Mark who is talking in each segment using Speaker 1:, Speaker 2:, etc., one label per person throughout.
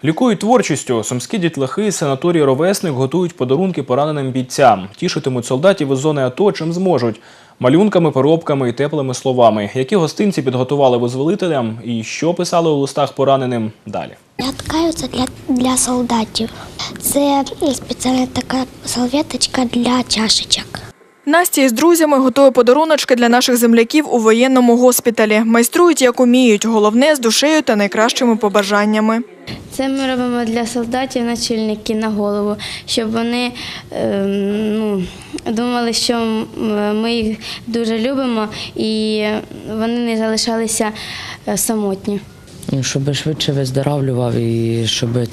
Speaker 1: Лікують творчістю. Сумські дітлахи з санаторії «Ровесник» готують подарунки пораненим бійцям. Тішитимуть солдатів із зони АТО чим зможуть. Малюнками, поробками і теплими словами. Які гостинці підготували визволителям і що писали у листах пораненим – далі.
Speaker 2: Я ткаю це для солдатів. Це спеціальна така салфеточка для чашечок.
Speaker 3: Настя із друзями готує подаруночки для наших земляків у воєнному госпіталі. Майструють, як уміють. Головне – з душею та найкращими побажаннями.
Speaker 4: Це ми робимо для солдатів начальники на голову, щоб вони думали, що ми їх дуже любимо і вони не залишалися самотні.
Speaker 5: Щоб швидше виздоравлював і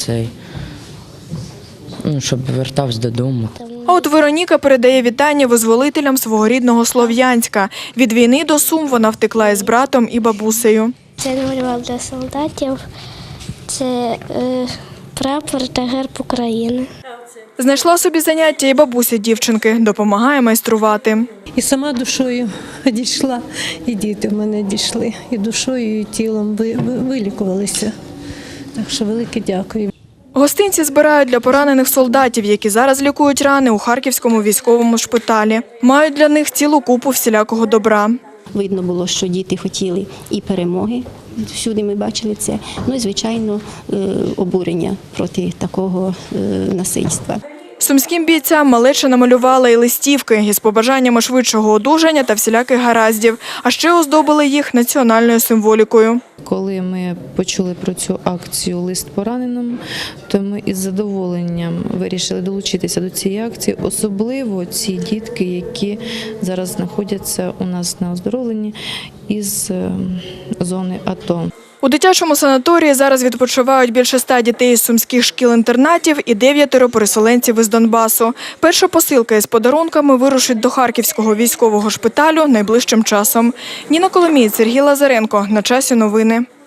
Speaker 5: щоб вертався додому.
Speaker 3: А от Вероніка передає вітання визволителям свого рідного Слов'янська. Від війни до Сум вона втекла із братом і бабусею.
Speaker 2: Це намалював для солдатів. Це прапор та герб України.
Speaker 3: Знайшла собі заняття і бабуся дівчинки. Допомагає майструвати.
Speaker 6: І сама душою дійшла, і діти в мене дійшли. І душою, і тілом вилікувалися. Так що велике дякую.
Speaker 3: Гостинці збирають для поранених солдатів, які зараз лікують рани у Харківському військовому шпиталі. Мають для них цілу купу всілякого добра.
Speaker 7: Видно було, що діти хотіли і перемоги, всюди ми бачили це, ну і, звичайно, обурення проти такого насильства.
Speaker 3: Сумським бійцям малеча намалювала і листівки із побажаннями швидшого одужання та всіляких гараздів, а ще оздобили їх національною символікою.
Speaker 8: Коли ми почули про цю акцію «Лист пораненому», то ми із задоволенням вирішили долучитися до цієї акції, особливо ці дітки, які зараз знаходяться у нас на оздоровленні із зони АТО.
Speaker 3: У дитячому санаторії зараз відпочивають більше 100 дітей із сумських шкіл-інтернатів і 9 переселенців із Донбасу. Перша посилка із подарунками вирушить до Харківського військового шпиталю найближчим часом. Ніна Коломієць, Сергій Лазаренко. На часі новини.